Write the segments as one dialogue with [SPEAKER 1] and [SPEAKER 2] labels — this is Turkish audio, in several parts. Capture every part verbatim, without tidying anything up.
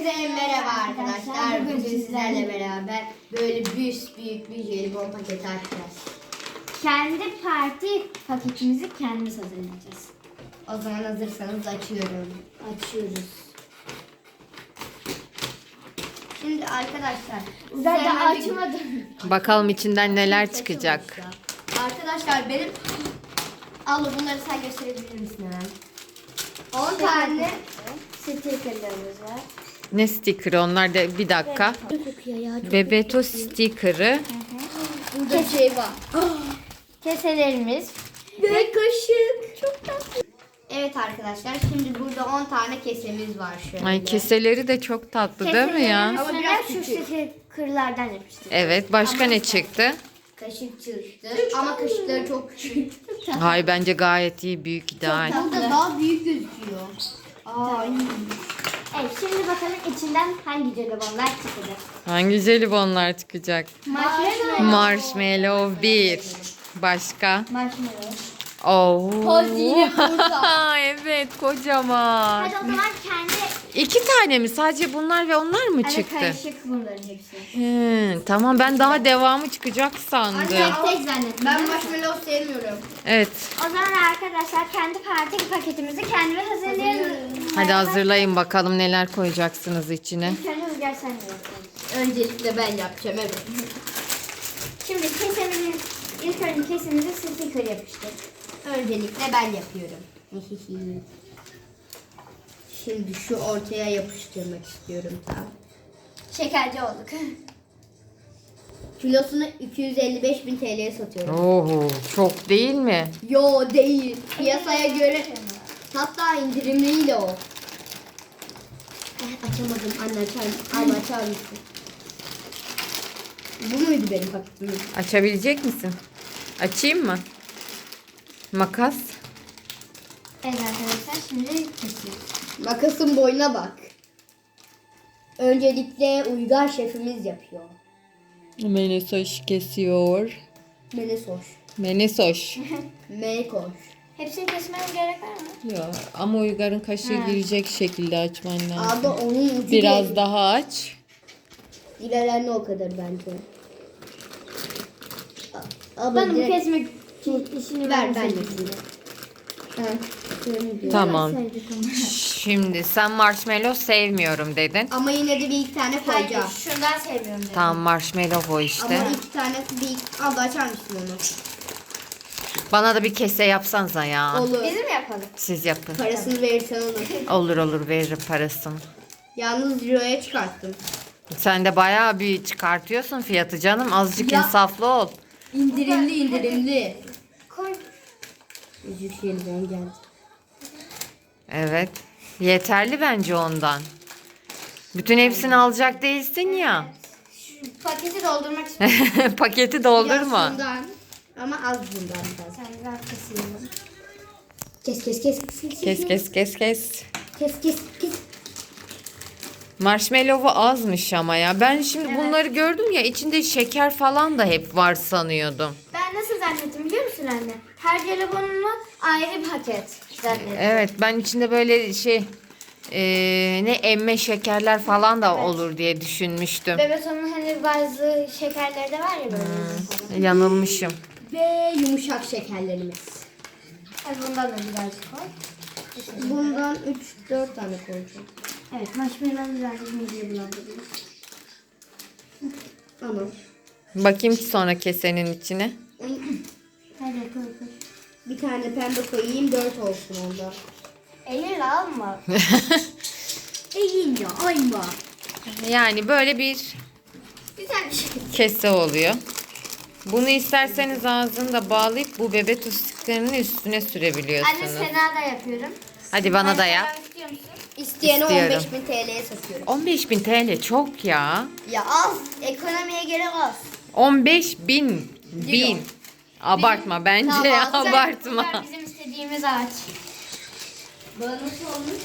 [SPEAKER 1] Hepinize merhaba arkadaşlar. Bugün sizlerle beraber böyle büyük büyük bir jelibon paketi açacağız.
[SPEAKER 2] Kendi parti paketimizi kendimiz hazırlayacağız.
[SPEAKER 1] O zaman hazırsanız açıyorum.
[SPEAKER 2] Açıyoruz.
[SPEAKER 1] Şimdi arkadaşlar
[SPEAKER 2] Zaten
[SPEAKER 1] hemen bir-
[SPEAKER 2] açmadım.
[SPEAKER 3] Bakalım içinden neler çıkacak.
[SPEAKER 1] Arkadaşlar benim al bunları sen gösterebilir misin hemen? on tane
[SPEAKER 2] Stickerlarımız var.
[SPEAKER 3] Ne sticker'ı onlar da bir dakika.
[SPEAKER 2] Kokuyor ya. Çok
[SPEAKER 3] Bebeto sticker'ı.
[SPEAKER 1] burada bir şey var.
[SPEAKER 2] Keselerimiz.
[SPEAKER 1] Ve kaşık. Çok tatlı. Evet arkadaşlar şimdi burada on tane kesemiz var şöyle.
[SPEAKER 3] Ay keseleri de çok tatlı değil mi ya?
[SPEAKER 1] Ama
[SPEAKER 2] Ama
[SPEAKER 1] biraz
[SPEAKER 2] şu
[SPEAKER 1] küçük.
[SPEAKER 2] stickerlardan yapıştırdık.
[SPEAKER 3] Evet, başka ne çıktı?
[SPEAKER 1] Kaşık çıktı ama kaşıkları çok küçük.
[SPEAKER 3] Hay bence gayet iyi, büyük, ideal.
[SPEAKER 1] Burada daha büyük gözüküyor. Aa,
[SPEAKER 2] Evet, şimdi bakalım içinden hangi jelibonlar çıkacak.
[SPEAKER 3] Hangi jelibonlar çıkacak?
[SPEAKER 2] Marshmallow.
[SPEAKER 3] Marshmallow bir. Başka?
[SPEAKER 2] Marshmallow.
[SPEAKER 3] Oo.
[SPEAKER 1] Poz yine burada.
[SPEAKER 3] Evet, kocaman.
[SPEAKER 2] Hadi o zaman kendi
[SPEAKER 3] İki tane mi? Sadece bunlar ve onlar mı
[SPEAKER 2] hani
[SPEAKER 3] çıktı?
[SPEAKER 2] karışık bunların hepsi.
[SPEAKER 3] Hı, tamam, ben daha devamı çıkacak sandım.
[SPEAKER 1] Anne,
[SPEAKER 2] Tek zannettim.
[SPEAKER 1] Ben
[SPEAKER 2] değil mi?
[SPEAKER 1] marshmallow sevmiyorum.
[SPEAKER 3] Evet.
[SPEAKER 2] O zaman arkadaşlar kendi parti paketimizi kendimiz hazırlayalım.
[SPEAKER 3] Hadi hazırlayın bakalım neler koyacaksınız içine.
[SPEAKER 2] İlk önce Rüzgar sen de yapalım.
[SPEAKER 1] Öncelikle ben yapacağım evet.
[SPEAKER 2] Şimdi kesemizi, ilk önce kesemizi sticker yapıştır.
[SPEAKER 1] Öncelikle ben yapıyorum. Şimdi şu ortaya yapıştırmak istiyorum tam.
[SPEAKER 2] Şekerci olduk.
[SPEAKER 1] Kilosunu iki yüz elli beş bin T L'ye satıyorum.
[SPEAKER 3] Oo, çok değil mi?
[SPEAKER 1] Yo değil. Piyasaya göre hatta indirimliyle o. Eh, açamadım. Anne açar, anne açar mısın? Bu muydu benim paketim?
[SPEAKER 3] Açabilecek misin? Açayım mı? Makas.
[SPEAKER 2] Evet arkadaşlar şimdi kesiyoruz.
[SPEAKER 1] Makasın boyuna bak. Öncelikle Uygar şefimiz yapıyor.
[SPEAKER 3] Menesoş kesiyor.
[SPEAKER 1] Menesoş.
[SPEAKER 3] Menesoş.
[SPEAKER 1] Mekoş.
[SPEAKER 2] Hepsini kesmemiz gerek var mı?
[SPEAKER 3] Ya ama Uygar'ın kaşığı
[SPEAKER 2] Ha.
[SPEAKER 3] girecek şekilde açman lazım.
[SPEAKER 1] Abi onun ucu
[SPEAKER 3] Biraz
[SPEAKER 1] değil.
[SPEAKER 3] daha aç.
[SPEAKER 1] İlerlerine o kadar bence. A- Abi
[SPEAKER 2] Bana bu
[SPEAKER 1] direkt-
[SPEAKER 2] kesmek işini
[SPEAKER 1] ver
[SPEAKER 2] ben
[SPEAKER 1] ben
[SPEAKER 2] seçeyim.
[SPEAKER 1] yapayım. Ha, şöyle diyor.
[SPEAKER 3] Tamam.
[SPEAKER 2] Sevdik onu.
[SPEAKER 3] Şimdi sen marshmallow sevmiyorum dedin.
[SPEAKER 1] Ama yine de bir iki tane
[SPEAKER 2] Hayır,
[SPEAKER 1] koyacağım.
[SPEAKER 2] şundan sevmiyorum dedim.
[SPEAKER 3] Tamam, marshmallow o işte.
[SPEAKER 1] Ama iki tanesi bir... Abla açar mısın onu?
[SPEAKER 3] Bana da bir kese yapsanıza ya.
[SPEAKER 1] Olur.
[SPEAKER 2] Bizim mi yapalım?
[SPEAKER 3] Siz yapın.
[SPEAKER 1] Parasını verirsen olur.
[SPEAKER 3] Olur olur, veririm parasını.
[SPEAKER 1] Yalnız euroya çıkarttım.
[SPEAKER 3] Sen de bayağı bir çıkartıyorsun fiyatı canım. Azıcık
[SPEAKER 1] Ya.
[SPEAKER 3] insaflı ol.
[SPEAKER 1] İndirimli indirimli.
[SPEAKER 2] Koy.
[SPEAKER 1] Yüzük yeniden geldi.
[SPEAKER 3] Evet. Yeterli bence ondan. Bütün hepsini alacak değilsin ya.
[SPEAKER 2] Şu paketi doldurmak istiyorum.
[SPEAKER 3] Paketi doldurma.
[SPEAKER 1] Yasundan ama az bundan biraz.
[SPEAKER 2] Sen biraz keselim.
[SPEAKER 1] Kes kes kes kes kes
[SPEAKER 3] Kes kes kes kes.
[SPEAKER 1] kes kes kes.
[SPEAKER 3] Marshmallow'u azmış ama ya. Ben şimdi bunları gördüm ya, içinde şeker falan da hep var sanıyordum.
[SPEAKER 2] Ben nasıl zannettim biliyor musun anne? Her jelibonunu ayrı bir paket zannettim.
[SPEAKER 3] Evet, ben içinde böyle şey eee, ne emme şekerler falan da olur diye düşünmüştüm.
[SPEAKER 2] Bebeson'un hani bazı şekerleri de var ya böyle.
[SPEAKER 3] Yanılmışım.
[SPEAKER 1] Ve yumuşak şekerlerimiz.
[SPEAKER 2] Hadi bundan da birazcık koy.
[SPEAKER 1] Bundan üç dört tane koyacağım.
[SPEAKER 2] Evet, marshmallow birazcık mideye bulandırıyor.
[SPEAKER 1] Tamam.
[SPEAKER 3] Bakayım sonra kesenin içine.
[SPEAKER 2] Hadi koy koy.
[SPEAKER 1] Bir tane pembe koyayım, dört olsun onda.
[SPEAKER 2] Elinle alma.
[SPEAKER 1] İyi ya, ayma.
[SPEAKER 3] Yani böyle bir
[SPEAKER 2] Güzel bir şey.
[SPEAKER 3] kese oluyor. Bunu isterseniz ağzını bağlayıp bu bebek tüstiklerinin üstüne
[SPEAKER 2] Anne
[SPEAKER 3] sürebiliyorsunuz.
[SPEAKER 2] Sena da yapıyorum.
[SPEAKER 3] Hadi bana da
[SPEAKER 2] Sen
[SPEAKER 3] yap.
[SPEAKER 2] devam istiyor musun?
[SPEAKER 1] İsteyene on
[SPEAKER 3] İstiyorum.
[SPEAKER 1] beş bin T L'ye satıyorum.
[SPEAKER 3] on beş bin T L çok ya.
[SPEAKER 1] Ya az, ekonomiye göre az.
[SPEAKER 3] on beş bin. Bin. Abartma bence,
[SPEAKER 1] Tamam,
[SPEAKER 3] abartma.
[SPEAKER 2] Bunlar bizim istediğimiz ağaç.
[SPEAKER 1] Bana nasıl olmuş?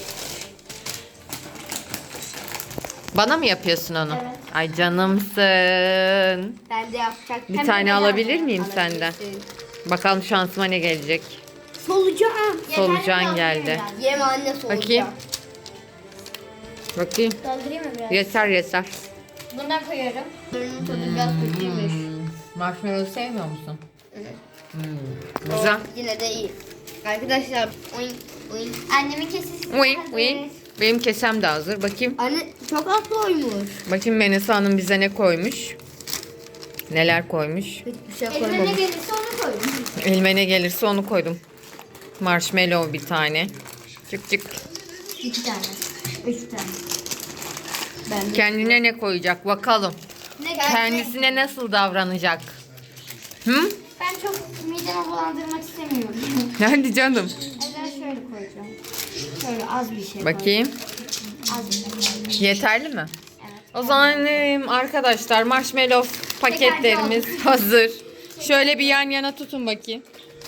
[SPEAKER 3] Bana mı yapıyorsun onu?
[SPEAKER 2] Evet.
[SPEAKER 3] Ay canımsın.
[SPEAKER 1] Ben de yapacak.
[SPEAKER 3] Bir
[SPEAKER 2] Hem
[SPEAKER 3] tane
[SPEAKER 2] de
[SPEAKER 3] alabilir
[SPEAKER 2] bedava.
[SPEAKER 3] miyim senden? Bakalım şansıma ne gelecek.
[SPEAKER 1] Solucan.
[SPEAKER 3] Solucan
[SPEAKER 2] Yeterli
[SPEAKER 3] geldi.
[SPEAKER 2] kaldı
[SPEAKER 1] Yeme anne solucan.
[SPEAKER 3] Bakayım. Bakayım.
[SPEAKER 2] Doldurayım mı biraz?
[SPEAKER 3] Yeter yeter.
[SPEAKER 2] Bundan koyuyorum.
[SPEAKER 1] Bunun tadı biraz kötüymüş.
[SPEAKER 3] Hmm. Marshmallow sevmiyor musun?
[SPEAKER 1] Evet.
[SPEAKER 3] Hmm. Güzel.
[SPEAKER 1] Yine de iyi. Arkadaşlar oyun oyun.
[SPEAKER 2] Annemin kesesi.
[SPEAKER 3] Uy, uy. Benim kesem de hazır. Bakayım.
[SPEAKER 1] Anne çok az koymuş.
[SPEAKER 3] Bakayım Menesa Hanım bize ne koymuş. Neler koymuş.
[SPEAKER 1] Hiçbir şey
[SPEAKER 2] Elime ne
[SPEAKER 1] koymamış.
[SPEAKER 2] gelirse onu koydum.
[SPEAKER 3] Elime ne gelirse onu koydum. Marshmallow bir tane. Çık çık.
[SPEAKER 2] İki tane. Üç tane.
[SPEAKER 1] Ben de.
[SPEAKER 3] Kendine ne koyacak bakalım.
[SPEAKER 2] Ne
[SPEAKER 3] Kendisine nasıl davranacak? Hı?
[SPEAKER 2] Ben çok midemi bulandırmak istemiyorum.
[SPEAKER 3] Hadi canım.
[SPEAKER 2] O yüzden şöyle koyacağım. Şöyle az bir şey
[SPEAKER 3] Bakayım.
[SPEAKER 2] Az bir şey.
[SPEAKER 3] Yeterli mi?
[SPEAKER 2] Evet.
[SPEAKER 3] O zaman em, arkadaşlar marshmallow paketlerimiz hazır. Şöyle bir yan yana tutun bakayım.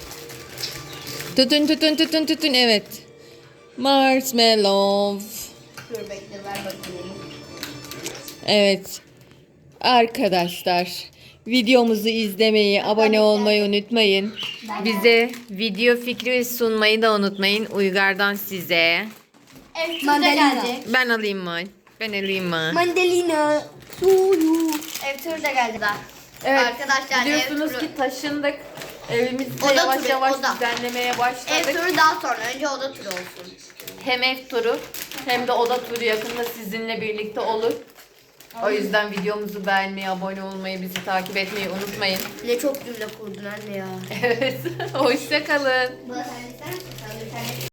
[SPEAKER 3] Tutun tutun tutun tutun evet. Marshmallow.
[SPEAKER 1] Dur bekle ver bakayım.
[SPEAKER 3] Evet. Arkadaşlar videomuzu izlemeyi, abone olmayı unutmayın. Bize video fikri sunmayı da unutmayın. Uygar'dan size.
[SPEAKER 2] Evet, turda
[SPEAKER 1] Mandalina.
[SPEAKER 2] gelecek.
[SPEAKER 3] Ben alayım mı? Ben alayım mı?
[SPEAKER 1] Mandalina suyu.
[SPEAKER 2] Ev turu da geldi daha.
[SPEAKER 3] Evet.
[SPEAKER 1] Arkadaşlar,
[SPEAKER 3] biliyorsunuz
[SPEAKER 1] ev turu-
[SPEAKER 3] ki taşındık. Evimizde
[SPEAKER 1] Oda
[SPEAKER 3] yavaş
[SPEAKER 1] turu,
[SPEAKER 3] yavaş
[SPEAKER 1] oda.
[SPEAKER 3] düzenlemeye başladık.
[SPEAKER 1] Ev turu daha sonra. Önce oda turu olsun.
[SPEAKER 3] Hem ev turu hem de oda turu yakında sizinle birlikte olur. O yüzden videomuzu beğenmeyi, abone olmayı, bizi takip etmeyi unutmayın.
[SPEAKER 1] Ne çok cümle kurdun anne ya.
[SPEAKER 3] Evet. Hoşça kalın.
[SPEAKER 1] Bana sen ister misin? Sen bir tane